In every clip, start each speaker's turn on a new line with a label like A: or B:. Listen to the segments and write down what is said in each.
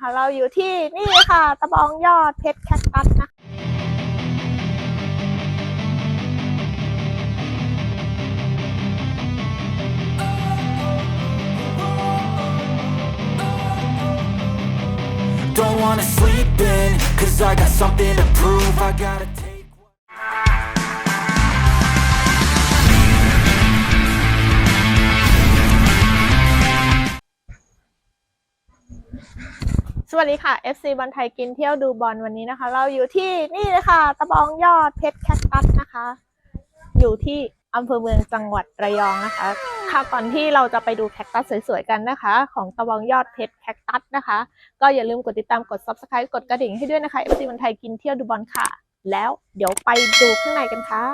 A: นะคะเราอยู่ที่นี่ค่ะตะบองยอดเพชรแคคตัสนะ
B: Don't wanna sleep in, cause I got something to prove. I gotta take
A: สวัสดีค่ะ FC บอลไทยกินเที่ยวดูบอลวันนี้นะคะ เราอยู่ที่นี่เลยค่ะตะบองยอดเพชรแคคตัสนะคะ อยู่ที่อำเภอเมืองจังหวัดระยองนะคะค่ะก่อนที่เราจะไปดูแคคตัสสวยๆกันนะคะ ของตะบองยอดเพชรแคคตัสนะคะ ก็อย่าลืมกดติดตามกด Subscribe กดกระดิ่งให้ด้วยนะคะ FC บอลไทยกินเที่ยวดูบอลค่ะ แล้วเดี๋ยวไปดูข้างในกันค่ะ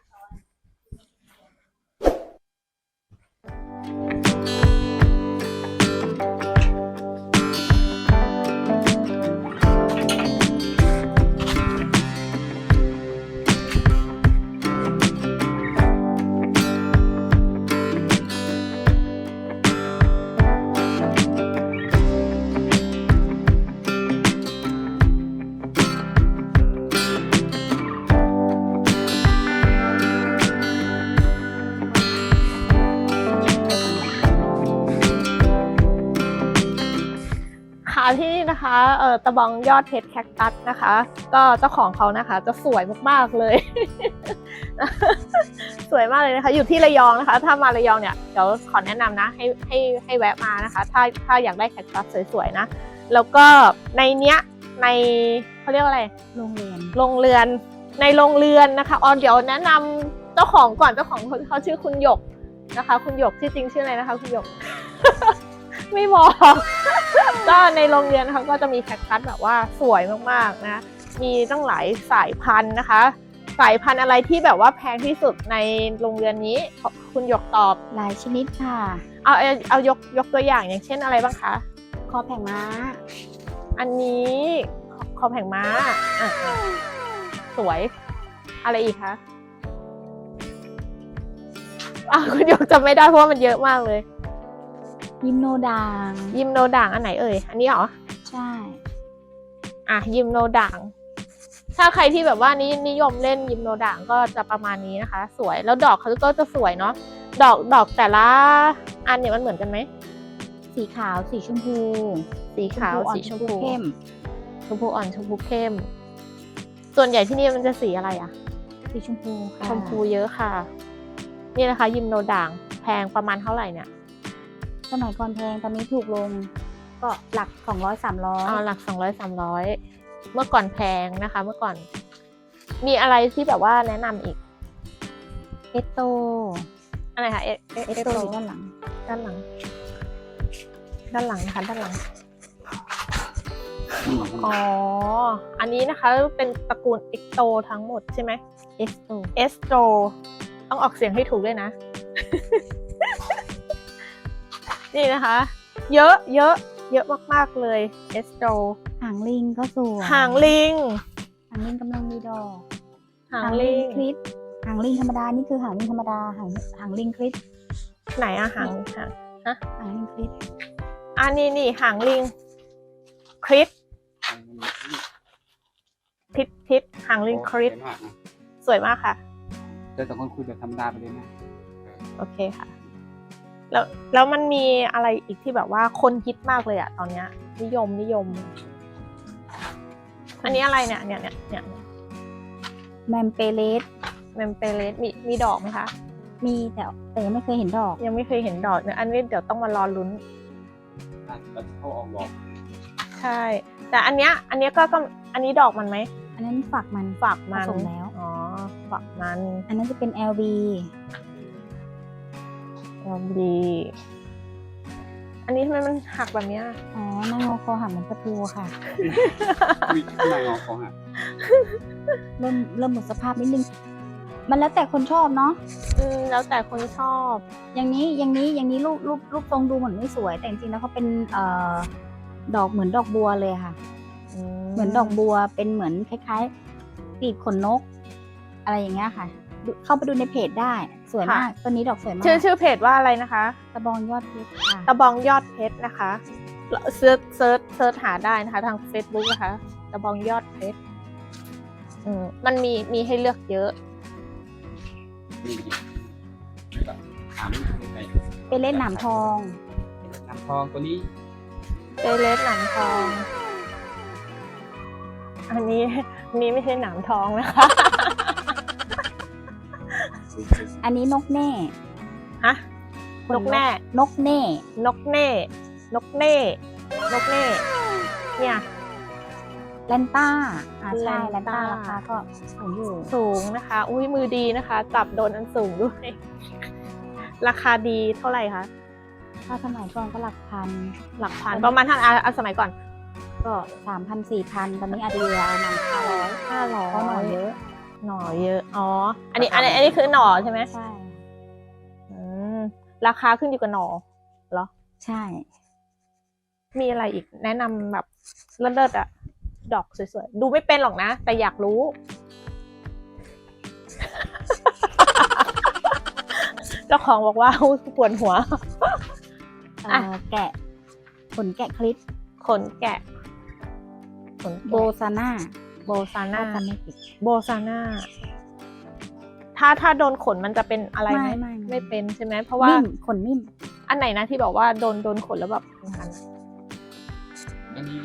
A: ที่นี่นะคะตะบองยอดเพชรแคคตัสนะคะก็เจ้าของเขานะคะจะสวยมากๆเลย สวยมากเลยนะคะอยู่ที่ระยองนะคะถ้ามาระยองเนี่ยเดี๋ยวขอแนะนำนะให้แวะมานะคะถ้าอยากได้แคคตัสสวยๆนะแล้วก็ในเนี้ยในเขาเรียกว่าอะไรโรงเรือนในโรงเรือนนะคะเดี๋ยวแนะนำเจ้าของก่อนเจ้าของเขาชื่อคุณหยกนะคะคุณหยกชื่อจริงชื่ออะไรนะคะคุณหยก ไม่บอกก็ในโรงเรียนนะคะก็จะมีแคคตัสแบบว่าสวยมากๆนะมีตั้งหลายสายพันธุ์นะคะสายพันธุ์อะไรที่แบบว่าแพงที่สุดในโรงเรียนนี้คุณหยกตอบ
C: หลายชนิดค่ะ
A: เอายกตัวอย่างอย่างเช่นอะไรบ้างคะ
C: คอแผงม้า
A: อันนี้คอแผงม้าสวยอะไรอีกคะคุณหยกจำไม่ได้เพราะว่ามันเยอะมากเลย
C: ยิมโนด่าง
A: อันไหนเอ่ยอันนี้เหรอ
C: ใช่
A: ยิมโนด่างถ้าใครที่แบบว่านิยมเล่นยิมโนด่างก็จะประมาณนี้นะคะสวยแล้วดอกเขาก็จะสวยเนาะดอกแต่ละอันเนี่ยมันเหมือนกันไหม
C: สีขาวสีชมพู
A: สีขาวสีชมพู
C: เข้ม
A: ชมพูอ่อนชมพูเข้มส่วนใหญ่ที่นี่มันจะสีอะไร
C: สีชมพูค่ะ
A: ชมพูเยอะค่ะนี่นะคะยิมโนด่างแพงประมาณเท่าไหร่เนี่ย
C: สมัยก่อนแพงตอนนี้ถูกลงก็หลัก200-300
A: หลัก200-300เมื่อก่อนแพงนะคะเมื่อก่อนมีอะไรที่แบบว่าแนะนำอีก
C: เอสโต
A: อะไรคะเอ
C: สโตอยู่ด้านหลัง
A: นะคะด้านหลังอันนี้นะคะเป็นตระกูลเอ็กโตทั้งหมดใช่ไหม
C: เอ
A: สโตต้องออกเสียงให้ถูกด้วยนะ นี่นะคะเยอะมากๆเลยเอสโต
C: หางลิงก็สวย
A: หางลิง
C: กำลังมีดอก
A: หางลิง
C: คริสหางลิงธรรมดานี่คือหางลิงธรรมดาหางลิงคริส
A: ไหนหาง
C: ลิงคริส
A: นี่หางลิงคริสพิษหางลิงคริสสวยมากค่ะ
D: แต่คนคุยแบบธรรมดาไปเลยนะ
A: โอเคค่ะแล้วมันมีอะไรอีกที่แบบว่าคนฮิตมากเลยตอนนี้นิยมอันนี้อะไรเนี่ย
C: แมมเปเลส
A: มีดอกไหมคะ
C: มีแต่ยังไม่เคยเห็นดอก
A: เนี่ยอันนี้เดี๋ยวต้องมารอลุ้น
D: เขาออกดอก
A: ใช่แต่อันเนี้ยก็อันนี้ดอกมันไหม
C: อันนั้นฝักมันผสมแล้ว
A: ฝักมัน
C: อันนั้นจะเป็น LB
A: อันนี้ทำไมมันหักแบบนี้
C: หน้างอคอหักเหมือนประตูค่ะ
D: หน้างอคอหัก
C: เริ่มหมดสภาพนิดนึงมันแล้วแต่คนชอบเนาะ
A: แล้วแต่คนชอบ
C: อย่างนี้รูปทรงดูเหมือนไม่สวยแต่จริงๆแล้วเขาเป็นดอกเหมือนดอกบัวเลยค่ะเหมือนดอกบัวเป็นเหมือนคล้ายๆปีกขนนกอะไรอย่างเงี้ยค่ะเข้าไปดูในเพจได้สวยมากต้นนี้ดอกสวยมาก
A: ชื่อเพจว่าอะไรนะคะ
C: ตะบองยอดเพชรค่ะ
A: ตะบองยอดเพชรนะคะเซิร์ชหาได้นะคะ ทาง Facebook นะคะกระบองยอดเพชรมันมีให้เลือกเยอะ
D: นี่แล้วก็ถามลูกไป
C: เป็นเล่นหนามทอง
D: น้ำทองตัวนี้
A: เปเลสหนามทอง อันนี้ไม่ใช่หนามทองนะคะ
C: อันนี้นกแน่
A: ฮะ นกแน่
C: นกแน่
A: นกเน่ นกเน่ นกเน่ เนี่ย
C: แลนต้าใช่
A: แล
C: แล
A: น
C: น
A: ต้า
C: ต้าราคาก็สูงอยู่
A: สูงนะคะ อุ้ยมือดีนะคะ จับโดนอันสูงด้วย ราคาดีเท่าไหร่คะ
C: ถ้าสมัยก่อนก็หลักพัน
A: หลักพันประมาณท่านสมัยก่อน
C: ก็3,000-4,000 ตอนนี้อาจจะอยู่ประมาณ500 เพราะหน่อเยอะ
A: หน่อเยอะ อ๋อ อันนี้คือหน่อใช่ไหม
C: ใช่
A: ราคาขึ้นอยู่กับหน่อเหรอ
C: ใช่
A: มีอะไรอีกแนะนำแบบเลิศๆอะดอกสวยๆ ดูไม่เป็นหรอกนะ แต่อยากรู้ เจ้าของบอกว่าปวดหัว อ่ะ
C: แกะขนแกะคลิป
A: ขนแกะ ขน
C: โบ
A: แกะ
C: ซาน่า
A: โบซาน่า
C: ถ้าจำไม่ผิด
A: โบซาน่าถ้าโดนขนมันจะเป็นอะไรไหม
C: ไม่
A: ไม่เป็นใช่ไหมเพราะว่า
C: นิ่มขนนิ่ม
A: อันไหนนะที่บอกว่าโดนขนแล้วแบบคันๆอะ
D: อันนี้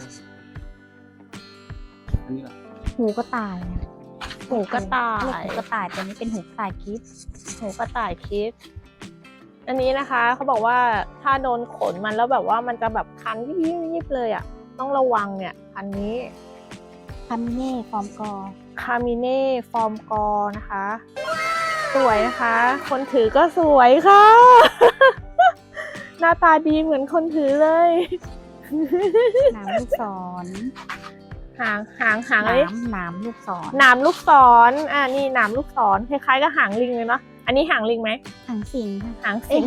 D: อันนี้เหรอ
C: หูก็ตาย
A: หูกระต่า
C: เรีก
A: ย
C: หูกระต่ายแต่นี้เป็นหูกระต่ายคลิป
A: หูกระต่ายคิด อันนี้นะคะเขาบอกว่าถ้าโดนขนมันแล้วแบบว่ามันจะแบบคันยิบเลยอ่ะ ต้องระวังเนี่ยอันนี้
C: คามิเน่ฟอร์มกอ
A: คามิเน่ฟอร์มกอนะคะ สวยนะคะ คนถือก็สวยค่ะ หน้าตาดีเหมือนคนถือเลย
C: หนามลูกศร
A: หาง
C: ห
A: เลย
C: นามลูกศร
A: หนามลูกศรนี่หนามลูกศรคล้ายๆกับหางลิงเลยเนาะอันนี้หางลิงไหม
C: หางสิงค่ะ
A: หาง
C: เอ้
A: สิ
C: ย
A: ง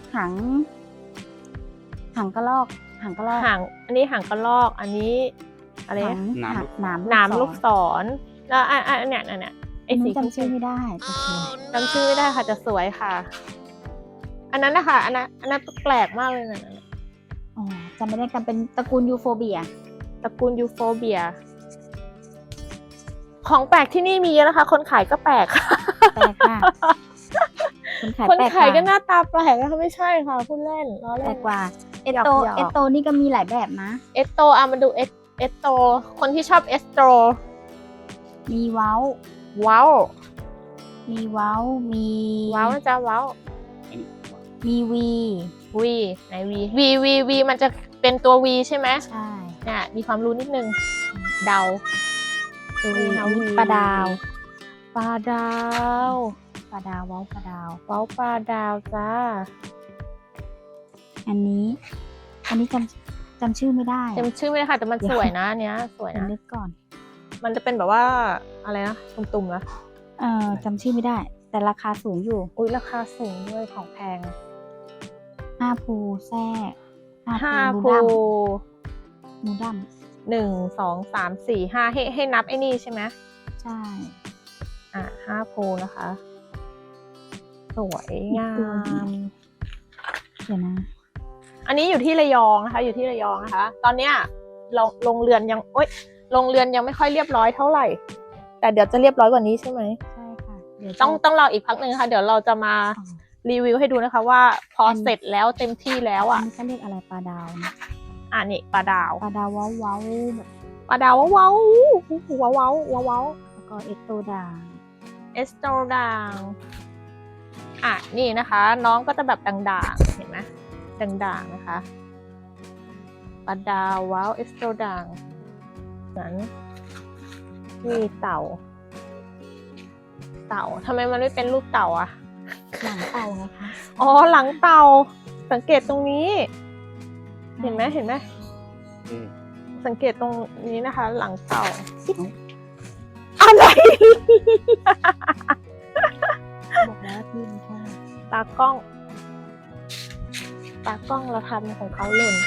C: หางกระรอกหางกระรอก
A: หางอันนี้หางกระรอกอันนี้อะไร
C: หา
A: นะ
C: งหนาม
A: หนามลูกศรแล้วเนี่ยไอ้
C: อัน
A: สี
C: นี้จำชื่อไม่ได้โอเค
A: จำชื่อไม่ได้ค่ะจะสวยค่ะ อันนั้นนะคะอันนั้นแปลกมากเลยนะ
C: อ๋อจำไม่ได้กันเป็นตระกูลยูโฟเบีย
A: ตระกูลยูโฟเบีย ของแปลกที่นี่มีเยอะนะคะ คนขายก็แปลกค่ะ
C: แปลกค่ะคนขาย
A: คน
C: แปลก
A: ขายก็ห
C: กว่า
A: น้าตาแปลกนะคะไม่ใช่ค่ะพูดเล่นล้อ
C: แปล
A: เล่น
C: กกว่าเอ
A: หยอก
C: โต
A: หยอก
C: เอโตนี่ก็มีหลายแบบนะ
A: เอสโตมาดูเอสโตคนที่ชอบเอสโต
C: มีเว้า
A: ว้าว
C: มีเว้ามี
A: ว้าวนะจ๊ะว้าว
D: อันนี้
C: มีวี
A: วีไหนวีมันจะเป็นตัววีใช่ไหม
C: ใช่
A: เนี่ยมีความรู้นิดนึงเดา
C: ตัววี
A: เอา
C: อันนี้
A: วี
C: ปลาดาว
A: ปลาดาว
C: ปลาดาวเว้าปลาดาว
A: ว้าวปลาดาวจ้า
C: อันนี้จำชื่อไม่ได้
A: จำชื่อไม่ได้ค่ะแต่มันสวยนะอันเนี้ยสวย
C: เดี๋ยว
A: นะ
C: นึกก่อน
A: มันจะเป็นแบบว่าอะไรนะตุ่มๆนะ
C: จำชื่อไม่ได้ แต่ราคาสูงอยู่
A: อุ้ยราคาสูงด้วยของแพง
C: 5 ภูแทรก
A: ห้า
C: ภู
A: ภู
C: นูดัม
A: 1 2 3 4 5ให้นับไอ้นี่ใช่ไหม
C: ใช่
A: 5 ภูนะคะ สวยงาม
C: เดี๋ยวนะ
A: อันนี้อยู่ที่ระยองนะคะ อยู่ที่ระยองนะคะ ตอนเนี้ยโรงเรือนยังโรงเรือนยังไม่ค่อยเรียบร้อยเท่าไหร่ แต่เดี๋ยวจะเรียบร้อยกว่านี้ใช่ไหม
C: ใช่ค่ะเดี๋ยวจะ
A: ต้องรออีกพักหนึ่งค่ะ เดี๋ยวเราจะมา
C: อ๋อ
A: รีวิวให้ดูนะคะว่าพอเสร็จแล้วเต็มที่แล้ว
C: อัน
A: อ่ะ
C: นี้ก็เรียกอะไรปลาดาวนะ
A: นี่ปลาดาว
C: ปลาดาวเว้าเว้าแบบ
A: ปลาดาวว้าวว้าวว้าวว้าวว้าว
C: แล้วก็เอสโตดาง
A: เอสโตด่างนี่นะคะ น้องก็จะแบบด่างๆเห็นไหมด่างๆนะคะปลาดาวว้าวเอสโตด่างนั้นมีเต่าทำไมมันไม่เป็นรูปเต่าอ่ะ
C: หลังเต่าไงคะ
A: อ๋อหลังเต่าสังเกตตรงนี้ เห็นไหม
D: เอ๊ะ
A: สังเกตตรงนี้นะคะ หลังเต่าอะไร
C: บอกแล้วพี่มันแค่
A: ตากล้องเราทำของเขาหล่น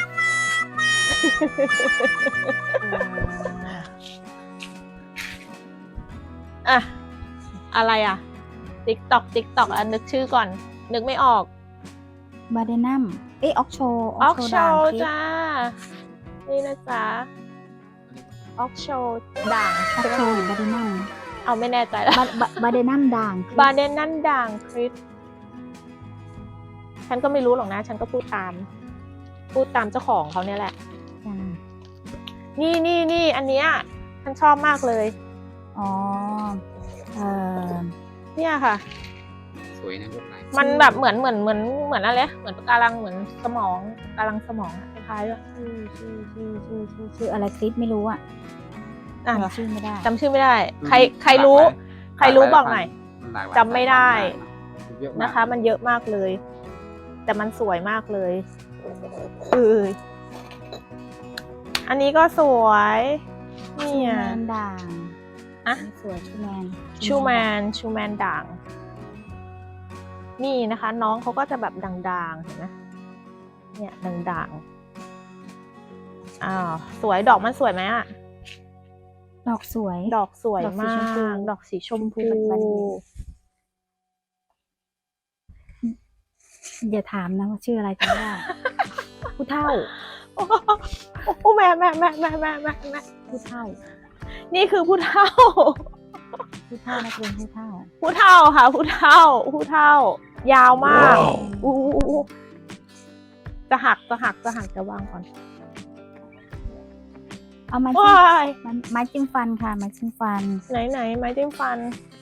A: อะไรอ่ะ ติ๊กตอกนึกชื่อก่อน นึกไม่ออก
C: บาเดนัมเอ้ยออกโช
A: ออกโช
C: ด่าง
A: จ้า นี่นะจ๊ะออกโชด่าง
C: ออก
A: ใช่ไหม
C: โชหรือบาเดนัม
A: เอาไม่แน่ใจแล้ว
C: บาเดนัมด่าง
A: บาเดนนั่นด่างคริสฉันก็ไม่รู้หรอกนะ ฉันก็พูดตามเจ้าของเขาเนี่ยแหละ
C: จ้า
A: นี่อันเนี้ยฉันชอบมากเลย
C: อ๋อเออ
A: เนี่ยค่ะ
D: สวยนะลวดลาย
A: มันแบบเหมือนอะไรเหมือนปะการังเหมือนสมองปะการังสมองอะคล้ายๆด้วย
C: ชื่ออะไรคลิปไม่รู้อ่ะ
A: อ่ะ
C: จำชื่อไม่ได้
A: จำชื่อไม่ได้ ใครรู้บอกหน่อย
D: มันหลายวัน
A: จำไม่ได้
D: เยอมาก
A: นะคะ มันเยอะมากเลย แต่มันสวยมากเลยอันนี้ก็สวยเนี่
C: ชู
A: ย
C: แมนด่าง
A: อะ
C: สวยชูแมน
A: ชูแมนด่าง นี่นะคะ น้องเขาก็จะแบบด่างๆเห็นไหมเนี่ยด่างๆอ้าวสวยดอกมันสวยไหมอะ
C: ดอกสวย
A: ดอกสวยมาก ดอกสีชมพู
C: อย่าถามนะว่าชื่ออะไรจำไม่ได้ ผู้เฒ่า
A: โอ้แม่
C: ผู้เฒ่า
A: นี่คือผู้เฒ่า
C: ผู้เฒ่านักเรียนผู้เฒ่า
A: ผู้เฒ่าค่ะ ผู้เฒ่า ยาวมากอู้จะหักจะวางก่อน
C: เอาไม้
A: ว้าย
C: ไม้จิ้มฟันค่ะไม้จิ้มฟัน
A: ไหนไม้จิ้มฟัน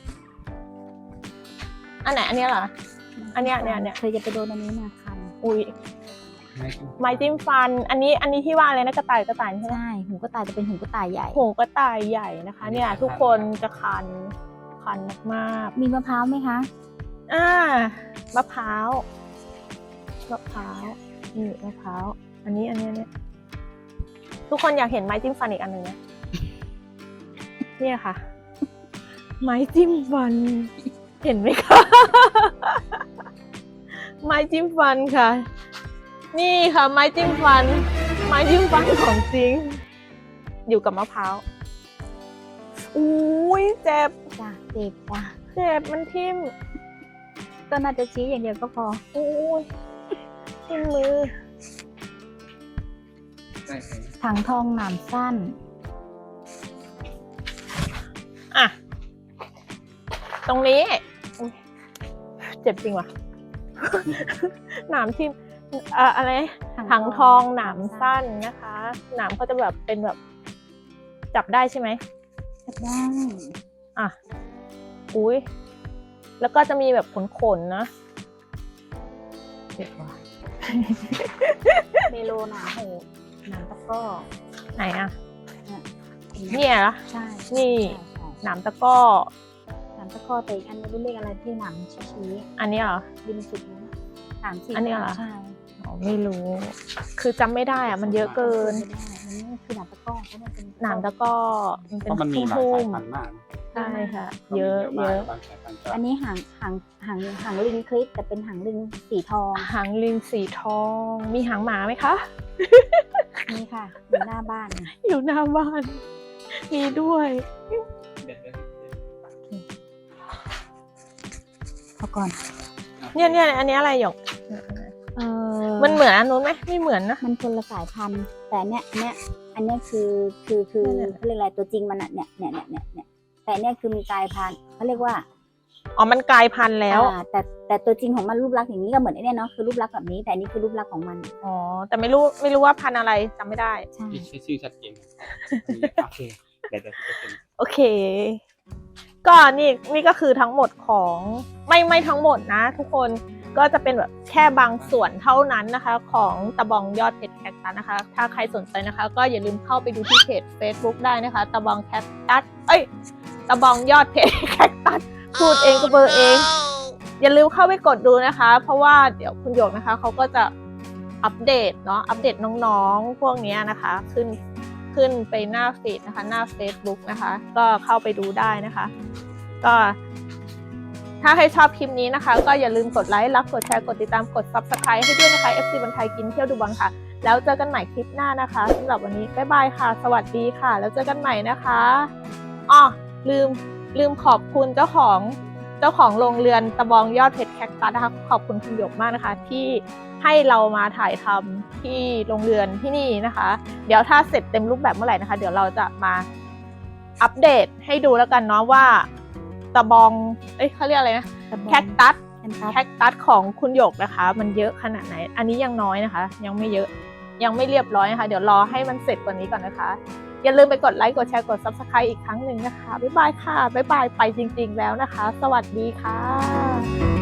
A: อันไหนอันเนี้ยเหรอ อันเนี้ย
C: เคยจะไปโดนอันนี้มาคัน
A: อุ้ย
D: ไม่กิน
A: ไม้จิ้มฟัน อันนี้ที่ว่าอะไรนะกระต่ายใช่ไหม
C: ใช่หูกระต่ายจะเป็นหูกระต่ายใหญ่
A: หูกระต่ายใหญ่นะคะ เนี่ย ทุกคนจะคันมาก
C: มีมะพร้าวไหมคะ
A: มะพร้าวนี่มะพร้าวอันนี้ทุกคนอยากเห็นไม้จิ้มฟันอีกอันหนึ่งนะเนี่ยค่ะ ไม้จิ้มฟัน เห็นไหมคะ ไม้จิ้มฟันค่ะ นี่ค่ะ ไม้จิ้มฟันของจริง อยู่กับมะพร้าวอุ้ยเจ็บ
C: จ้ะเจ็บจ้ะ
A: เจ็บมันทิ่ม
C: ก็น่าจะชี้อย่างเดียวก็พอ
A: อุ้ยทิ่มมือ
D: ได้ไหม
C: ถังทองหนามสั้น
A: อ่ะ ตรงนี้อุ๊ยเจ็บจริงว่ะ หนามทิ่มอะไรถังทองหนามสั้นนะคะ หนามเขาจะแบบเป็นแบบ จับได้ใช่ไหม
C: จับได้
A: อ่ะ อุ้ยแล้วก็จะมีแบบขนๆนะเจ็บว่ะ
C: เมโลหนาหูหนามตะกร้อ
A: ไหนอ่ะ
C: เนี่ย
A: เนี่ยเหรอ
C: ใช่
A: นี่
C: ใช่
A: หนามตะกร้อ
C: หนามตะกร้อแต่อีกอันนี้เรียกอะไรที่หนามชี้
A: อันนี้เหรอ
C: ริมสุดนี้สามสี่
A: อันนี้เหรอ
C: ใช่
A: อ๋อไม่รู้ คือจำไม่ได้อ่ะ มันเยอะเกิน
C: ไม่ได้อันนี้คือหนามตะกร้อเพราะมันเป็น
A: หนามตะกร้อมัน
D: เพ
A: เป็น
D: ราะมันมีหลาย
A: ทุ่
D: สาย
A: ม
D: พันธุ์มาก
A: ๆใช่ค่ะ
D: มัน
A: เย
D: มี
A: อะ
D: มากบางสายพันธุ์ก็
C: อันนี้หางลิงคลิปแต่เป็นหางลิงสีทอง
A: หางลิงสีทอง มีหางหมาไหมคะ
C: นี่ค่ะอยู่หน้าบ้านนะ
A: อยู่หน้าบ้าน มีด้วย
C: พอก่อน
A: เนี่ยอันนี้อะไรหยก มันเหมือนอันนู้นไหมไม่เหมือนนะ
C: มันคนละสายพันธุ์แต่อันเนี้ยอันเนี้ยคือเขาเรียกอะไรตัวจริงมันอะเนี่ยแต่อันเนี้ยคือมีกลายพันธุ์เขาเรียกว่า
A: อ๋อ มันกลายพันธุ์แล้ว
C: แต่ตัวจริงของมันรูปลักษณ์อย่างนี้ก็เหมือนไอ้เนี่ยเนาะคือรูปลักษณ์แบบนี้แต่อันนี้คือรูปลักษณ์ของมัน
A: อ๋อ แต่ไม่รู้ว่าพันธุ์อะไรจำไม่ได้
C: ใช่
D: ชื่อชัดเจนโอเคเดี๋ยวจะเป็น
A: โอเค ก็นี่ก็คือทั้งหมดของไม่ทั้งหมดนะทุกคนก็จะเป็นแบบแค่บางส่วนเท่านั้นนะคะ ของตะบองยอดเพชรแคคตัสนะคะ ถ้าใครสนใจนะคะ ก็อย่าลืมเข้าไปดูที่เพจ Facebook ได้นะคะตะบองแคคตัสตะบองยอดเพชรแคคตัสพูดเองก็เบอร์เอง อย่าลืมเข้าไปกดดูนะคะ เพราะว่าเดี๋ยวคุณหยกนะคะเขาก็จะอัปเดตเนาะอัปเดตน้องๆพวกนี้นะคะ ขึ้นไปหน้าฟีดนะคะหน้า Facebook นะคะ ก็เข้าไปดูได้นะคะ ก็ถ้าใครชอบคลิปนี้นะคะ ก็อย่าลืมกดไลค์รักกดแชร์กดติดตามกด Subscribe ให้ด้วยนะคะ FC บอลไทยกินเที่ยวดูบอลค่ะ แล้วเจอกันใหม่คลิปหน้านะคะสำหรับวันนี้บ๊ายบายค่ะ สวัสดีค่ะ แล้วเจอกันใหม่นะคะอ๋อลืมขอบคุณเจ้าของเจ้าของโรงเรือนตะบองยอดเพชรแคคตัสนะคะขอบคุณคุณหยกมากนะคะ ที่ให้เรามาถ่ายทำที่โรงเรือนที่นี่นะคะ เดี๋ยวถ้าเสร็จเต็มรูปแบบเมื่อไหร่นะคะ เดี๋ยวเราจะมาอัปเดตให้ดูแล้วกันเนาะว่าตะบองเขาเรียกอะไรนะ
C: ตะบอง
A: แคคตัส
C: แคคตัส
A: แคคตัสของคุณหยกนะคะ มันเยอะขนาดไหน อันนี้ยังน้อยนะคะ ยังไม่เยอะยังไม่เรียบร้อยนะคะ เดี๋ยวรอให้มันเสร็จกว่านี้ก่อนนะคะ อย่าลืมไปกดไลค์กดแชร์กด Subscribe อีกครั้งหนึ่งนะคะบ๊ายบายค่ะบ๊ายบายไปจริงๆแล้วนะคะ สวัสดีค่ะ